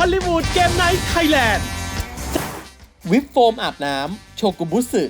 อลลีวูดเกมไนท์ไทยแลนด์วิปโฟมอาบน้ำโชกุบุสึ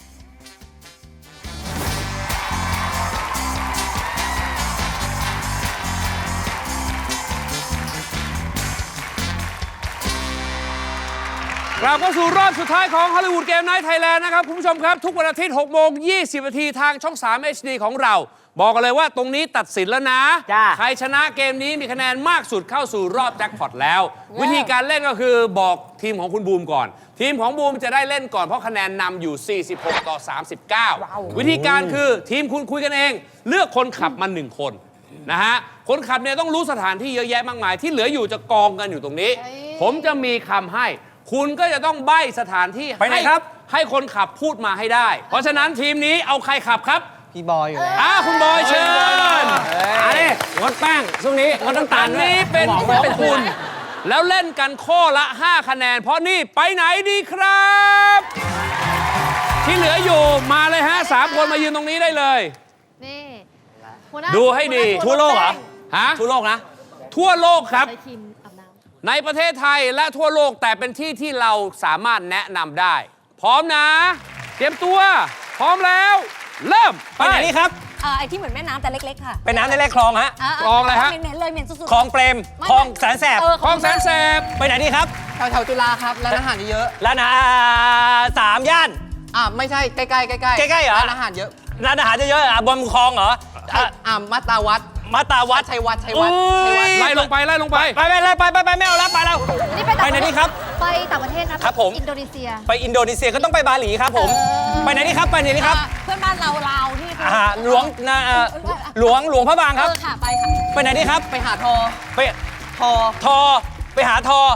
กลับเข้าสู่รอบสุดท้ายของฮอลลีวูดเกมไนท์ไทยแลนด์นะครับคุณผู้ชมครับทุกวันอาทิตย์6 โมง 20 นาทีทางช่อง 3 HD ของเราบอกกันเลยว่าตรงนี้ตัดสินแล้วนะใครชนะเกมนี้มีคะแนนมากสุดเข้าสู่รอบแจ็คพอตแล้ววิธีการเล่นก็คือบอกทีมของคุณบูมก่อนทีมของบูมจะได้เล่นก่อนเพราะคะแนนนำอยู่46 ต่อ 39วิธีการคือทีมคุณคุยกันเองเลือกคนขับมา1 คนนะฮะคนขับเนี่ยต้องรู้สถานที่เยอะแยะมากมายที่เหลืออยู่จะกองกันอยู่ตรงนี้ผมจะมีคำให้คุณก็จะต้องใบ้สถานที่ไปไหนครับให้คนขับพูดมาให้ได้เพราะฉะนั้นทีมนี้เอาใครขับครับพี่บอยอยู่แล้วคุณบอยเชิญอันนี้งดแป้งช่วงนี้งดน้ำตาลนี้เป็นของคุณแล้วเล่นกันข้อละ5 คะแนนเพราะนี่ไปไหนดีครับที่เหลืออยู่มาเลยฮะ3 คนมายืนตรงนี้ได้เลยนี่ดูให้ดีทั่วโลกเหรอฮะทั่วโลกนะทั่วโลกครับในประเทศไทยและทั่วโลกแต่เป็นที่ที่เราสามารถแนะนำได้พร้อมนะเตรียมตัวพร้อมแล้วเริ่มไปไหนนี่ครับไอ้ที่เหมือนแม่น้ำแต่เล็กๆค่ะเป็นน้ำในแรกคลองฮะคลองอะไรฮะเหม็นเลยเหม็นสุดๆคลองเปรมคลองแสนแสบคลองแสนแสบไปไหนนี่ครับแถวจุฬาครับร้านอาหารเยอะร้านอาหาร3 ย่านไม่ใช่ใกล้ๆใกล้ๆเหรอร้านอาหารเยอะร้านอาหารเยอะๆบนคลองเหรอมาตาวัดชัยวัดไล่ลงไปไปไม่เอาแล้วไปแล้วไปไหนนี่ครับไปต่างประเทศนะครับผมอินโดนีเซียไปอินโดนีเซียก็ต้องไปบาหลีครับผมไปไหนนี่ครับไปไหนนี่ครับเพื่อนบ้านเราที่หลวงพระบางครับค่ะไปค่ะไปไหนนี่ครับไปหาทอไปหาทอ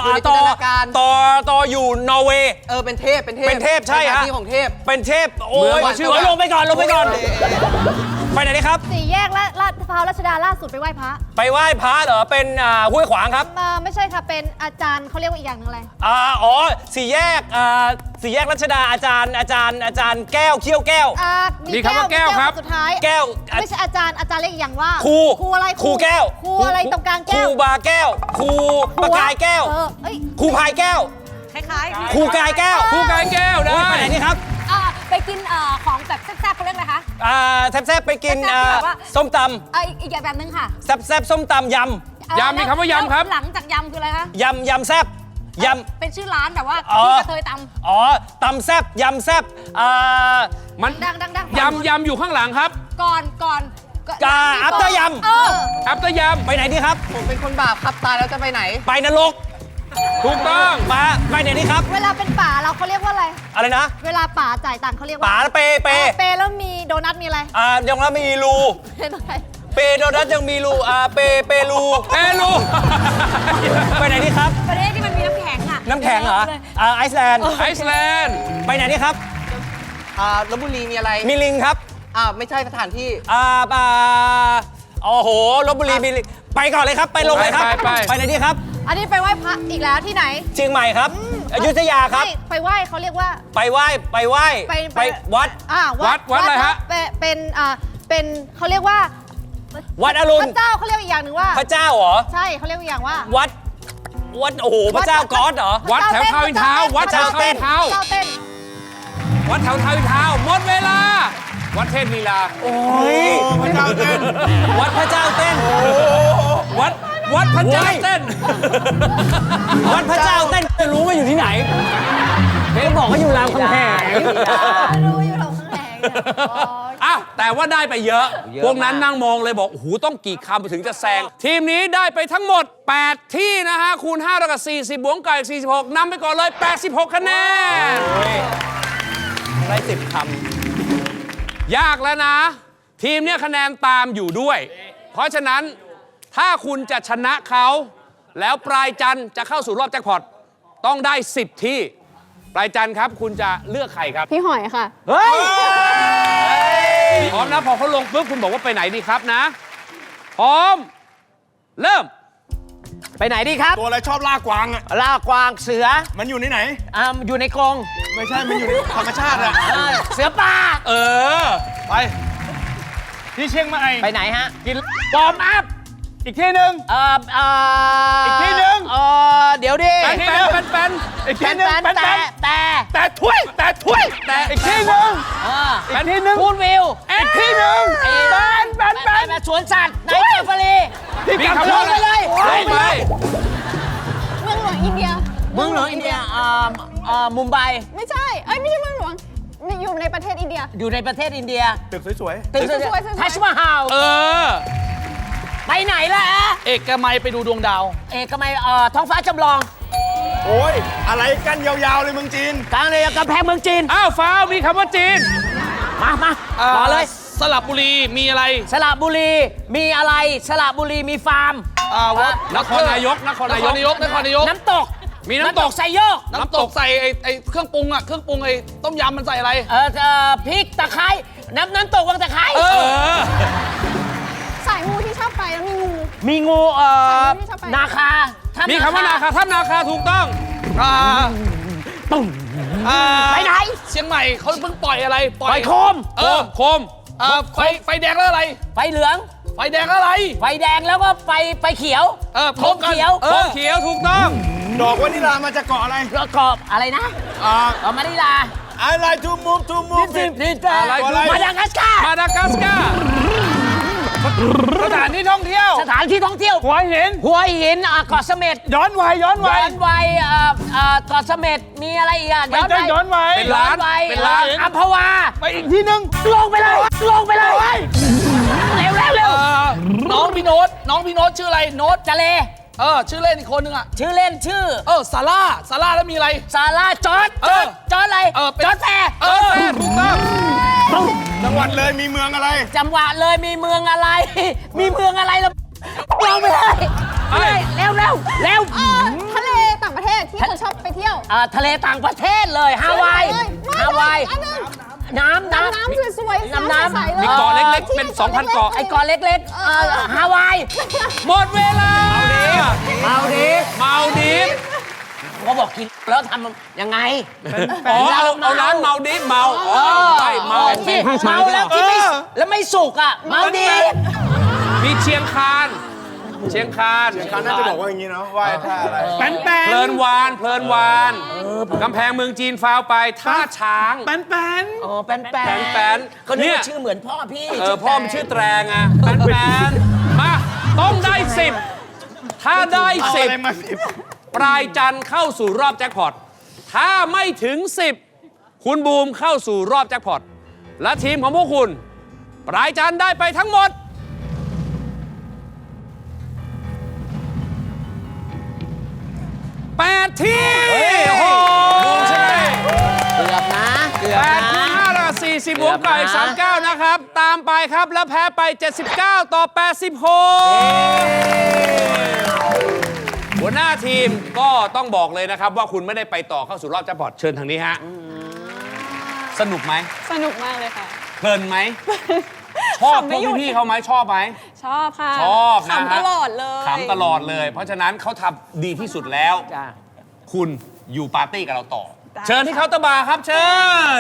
อยู่นอร์เวย์เป็นเทพใช่ฮะที่ของเทพเป็นเทพโอ้ยลงไปก่อนไปไหนนี่ครับ 4 แยกและลาดพร้าวรัชดาล่าสุดไปไหว้พระเหรอเป็นห้วยขวางครับไม่ใช่ค่ะเป็นอาจารย์เขาเรียกว่าอีกอย่างนึงอะไร 4 แยกรัชดาอาจารย์แก้วเขี้ยวแก้วมีคำว่าแก้วครับสุดท้ายแก้วไม่ใช่อาจารย์เรียกอีกอย่างว่าครูอะไรครูแก้วครูอะไรตรงกลางแก้วครูบาแก้วครูประกายแก้วครูพายแก้วคล้ายครูกายแก้วได้ไปไหนนี่ครับไปกินของแบบแซ่บๆเขาเรียกอะไรคะแซ่บไปกินส้มตำอีกแบบนึงค่ะแซ่บส้มตำยำมีคำว่ายำครับหลังจากยำคืออะไรคะยำแซ่บเป็นชื่อร้านแบบว่าที่กระเทยตำตำแซ่บยำแซ่บมันดังยำอยู่ข้างหลังครับก่อนอัปเตอร์ยำไปไหนดีครับผมเป็นคนบาปครับตายแล้วจะไปไหนไปนรกถูกต้องไปไหนนี่ครับเวลาเป็นป่าเขาเรียกว่าอะไรนะเวลาป่าจ่ายตังค์เขาเรียกว่าป่าเปแล้วมีโดนัทมีอะไรยังแล้วมีรูเปโดนัทยังมีรูเปรูไปไหนนี่ครับประเทศที่มันมีน้ำแข็งน้ำแข็งเหรอไอซ์แลนด์ไปไหนนี่ครับลพบุรีมีอะไรมีลิงครับไม่ใช่สถานที่โอ้โหลพบุรีมีลิงไปก่อนเลยครับไปลงเลยครับไปไหนนี่ครับอันนี้ไปไหว้พระอีกแล้วที่ไหนเชียงใหม่ครับอยุธยาครับไปไหว้เขาเรียกว่าไปไหว้วัดอะไรฮะเป็นเขาเรียกว่าวัดอรุณพระเจ้าเขาเรียกอีกอย่างหนึ่งว่าพระเจ้าเหรอใช่เขาเรียกอีกอย่างว่าวัดโอ้โหพระเจ้าก๊อดเหรอวัดแถวทาวน์อินทาวน์วัดแถวทาวน์อินทาวน์วัดแถวทาวน์อินทาวน์หมดเวลาวัดเทพลีลาโอ้ยพระเจ้าเต้นวัดพระเจ้าเต้นวัดพระเจ้าเต้นวัดพระเจ้าเต้นจะรู้ว่าอยู่ที่ไหนเพ่บอกว่าอยู่รามคำแหงรู้อยู่รามคำแหงแต่ว่าได้ไปเยอะพวกนั้นนั่งมองเลยบอกโอ้โหต้องกี่คำถึงจะแซงทีมนี้ได้ไปทั้งหมด8ที่นะฮะคูณ5แล้วก็40บวกกับ46นำไปก่อนเลย86 คะแนนได้10 คำยากแล้วนะทีมเนี้ยคะแนนตามอยู่ด้วยเพราะฉะนั้นถ้าคุณจะชนะเขาแล้วปลายจันทร์จะเข้าสู่รอบแจ็คพอตต้องได้10 ที่ปลายจันทร์ครับคุณจะเลือกใครครับพี่หอยค่ะเฮ้ยพร้อมนะพอเขาลงปุ๊บคุณบอกว่าไปไหนดีครับนะพร้อมเริ่มไปไหนดีครับตัวอะไรชอบล่ากวางล่ากวางเสือมันอยู่ในไหนอยู่ในกรงไม่ใช่มันอยู่ในธรรมชาติเสือป่าไปที่เชียงใหม่ไปไหนฮะกินปอมอัพอีกที่หนึ่งอีกที่หนึ่งอีกทีหนึ่งแปนแต่ถ้วยแต่อีกทีหนึ่งอีกทีหนึ่งพูดวิวอีกทีหนึ่งแปนสวนสัตว์ในเซฟารีมีคำว่าอะไรลงไปเมืองหลวงอินเดียเมืองหลวงอินเดียมุมไบไม่ใช่ ไม่ใช่เมืองหลวงอยู่ในประเทศอินเดียอยู่ในประเทศอินเดียตึกสวยตึกสวยๆทัชมาฮาลเออไปไหนล่ะๆ เอกมัยไปดูดวงดาวเอกมัยท้องฟ้าจำลองโอ้ย อะไรกันยาวๆเลยเมืองจีนกลางเลยกำแพงเมืองจีนอ้าวฟ้าวมีคำว่าจีนมาต่อเลยสลับบุรีมีอะไรสระบุรีมีอะไรสระบุรีมีฟาร์มวัดนครนายกนครนายกน้ำตกมีน้ำตกไซโยกน้ำตกใส่ไอ้เครื่องปรุงอะเครื่องปรุงไอ้ต้มยำมันใส่อะไรพริกตะไคร้น้ำตกวังตะไคร้เออสายงูที่ชอบไปแล้วมีงูมีงูที่ชอบไปนาคาถ้ำมีคำว่านาคาถ้ำนาคาถูกต้องตุ่มไปไหนเชียงใหม่เขาเพิ่งปล่อยอะไรปล่อยโคมโคมไฟแดงแล้วอะไรไฟเหลืองไฟแดงแล้วอะไรไฟแดงแล้วก็ไฟเขียวพร้อมกันเขียวโคมเขียวถูกต้องดอกวานิลามาจากเกาะอะไรแล้วกรอบอะไรนะมะนิลาอะไรทูมูฟนี่อะไรคือมาดากัสการ์มาดากัสการ์สถานที่ท่องเที่ยวสถานที่ท่องเที่ยวหัวหินหัวหินเกาะเสม็ดย้อนวัยย้อนวัยเกาะเสม็ดมีอะไรอีกอ่ะย้อนวัยเป็นร้านวัยเป็นร้านอัมพวาไปอีกที่หนึ่งลงไปเลยเร็วน้องพี่โน้ตชื่ออะไรโน้ตจะเลชื่อเล่นอีกคนนึงอ่ะชื่อเล่นชื่อซาร่าแล้วมีอะไรซาร่าจอร์จอะไรเป็นจอร์จแฟร์ถูกต้องจังหวัดเลยมีเมืองอะไรจังหวะเลยมีเมืองอะไร มีเมืองอะไรล่ะลงไปเลยเร็วทะเลต่างประเทศที่คนชอบไปเที่ยวทะเลต่างประเทศเลยฮาวายอันนึงน้ำสวยๆน้ำใสๆเลยมีเกาะเล็กๆ เป็น 2,000 เกาะไอ้เกาะเล็กๆฮาวายหมดเวลามาดิเมาดิฟเขาบอกกินแล้วทำยังไงอ๋อเอาร้านเมาดิฟเมาใช่เมาที่เมาแล้วที่ไม่แล้วไม่สุกอ่ะเมาดีมีเชียงคานน่าจะบอกว่าอย่างนี้เนาะว่าท่าอะไรเพลินวานกำแพงเมืองจีนฟาวไปท่าช้างอ๋อแป้นก็นึกว่าชื่อเหมือนพ่อพี่พ่อมันชื่อแตรงอ่ะแปนมาต้องได้ 10 ถ้าได้ 10 ปลายจันทร์เข้าสู่รอบแจ็คพอตถ้าไม่ถึง 10 คุณบูมเข้าสู่รอบแจ็คพอตและทีมของพวกคุณ ปลายจันทร์ได้ไปทั้งหมด 8 ที่โอ้โหใช่เกือบนะ 8 คูณ5ละ40บวกกับอีก39 นะครับ ตามไปครับแล้วแพ้ไป 79 ต่อ 86 หัวหน้าทีมก็ต้องบอกเลยนะครับว่าคุณไม่ได้ไปต่อเข้าสู่รอบแจ็คพอตเชิญทางนี้ฮะ สนุกไหมสนุกมากเลยค่ะเพลินไหม ชอบพวกพี่ๆเขาไหมชอบไหมชอบค่ะชอบนะขำตลอดเลยขำตลอดเลย เพราะฉะนั้นเขาทำดีที่สุดแล้ว คุณอยู่ปาร์ตี้กับเราต่อ เชิญที่เคาน์เตอร์บาร์ครับ เชิญ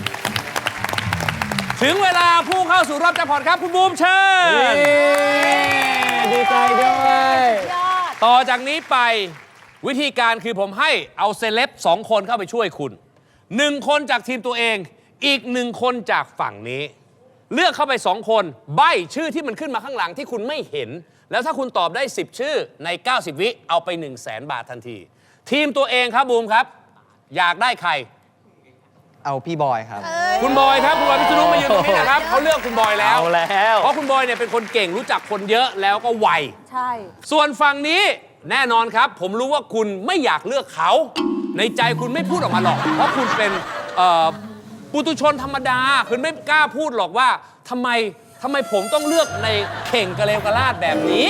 ถึงเวลาผู้เข้าสู่รอบแจ็คพอตครับ คุณบูมเชิญดีใจด้วยต่อจากนี้ไปวิธีการคือผมให้เอาเซเลบ2 คนเข้าไปช่วยคุณ 1 คนจากทีมตัวเอง อีก 1 คนจากฝั่งนี้ เลือกเข้าไป 2 คนใบ้ชื่อที่มันขึ้นมาข้างหลังที่คุณไม่เห็น แล้วถ้าคุณตอบได้ 10 ชื่อใน 90 วิเอาไป 100,000 บาททันที ทีมตัวเองครับบูมครับ อยากได้ใครเอาพี่บอยครับคุณบอยครับคุณบอยพิษณุมายืนตรงนี้นะครับเขาเลือกคุณบอยแล้วเอาแล้วเพราะคุณบอยเนี่ยเป็นคนเก่งรู้จักคนเยอะแล้วก็ไวใช่ส่วนฝั่งนี้แน่นอนครับ ผมรู้ว่าคุณไม่อยากเลือกเขา ในใจคุณไม่พูดออกมาหรอก เพราะคุณเป็นปุถุชนธรรมดา คุณไม่กล้าพูดหรอกว่าทำไมผมต้องเลือกในเข่งกระเลวกระลาดแบบนี้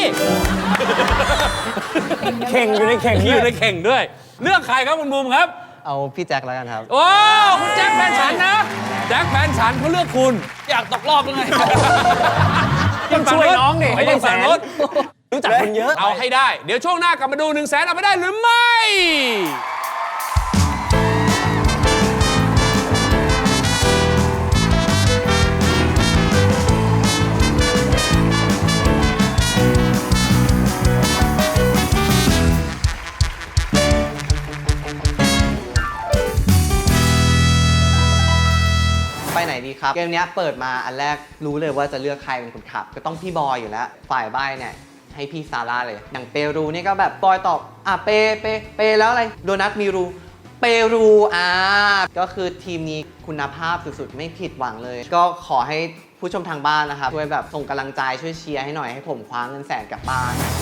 เข่งอยู่ในเข่งอยู่ในเข่งด้วย เลือกใครครับคุณบูมครับเอาพี่แจ็คแล้วกันครับโอ้คุณแจ็คแฟนฉันนะแจ็คแฟนฉันเขาเลือกคุณอยากตกรอบยังไงต้องช่วยน้องดิไม่ได้ฝั่งนู้นรู้จักคนเยอะเอาให้ได้ เดี๋ยวช่วงหน้ากลับมาดู 100,000 เอาไปได้หรือไม่ครับ เกมนี้เปิดมาอันแรกรู้เลยว่าจะเลือกใครเป็นคนขับ ก็ต้องพี่บอยอยู่แล้ว ฝ่ายใบ้เนี่ยให้พี่ซาร่าเลย อย่างเปรูนี่ก็แบบบอยตอบเปแล้วอะไร โดนัทมีรู เปรูก็คือทีมนี้คุณภาพสุดๆ ไม่ผิดหวังเลย ก็ขอให้ผู้ชมทางบ้านนะครับช่วยแบบส่งกำลังใจช่วยเชียร์ให้หน่อยให้ผมคว้าเงินแสนกลับบ้าน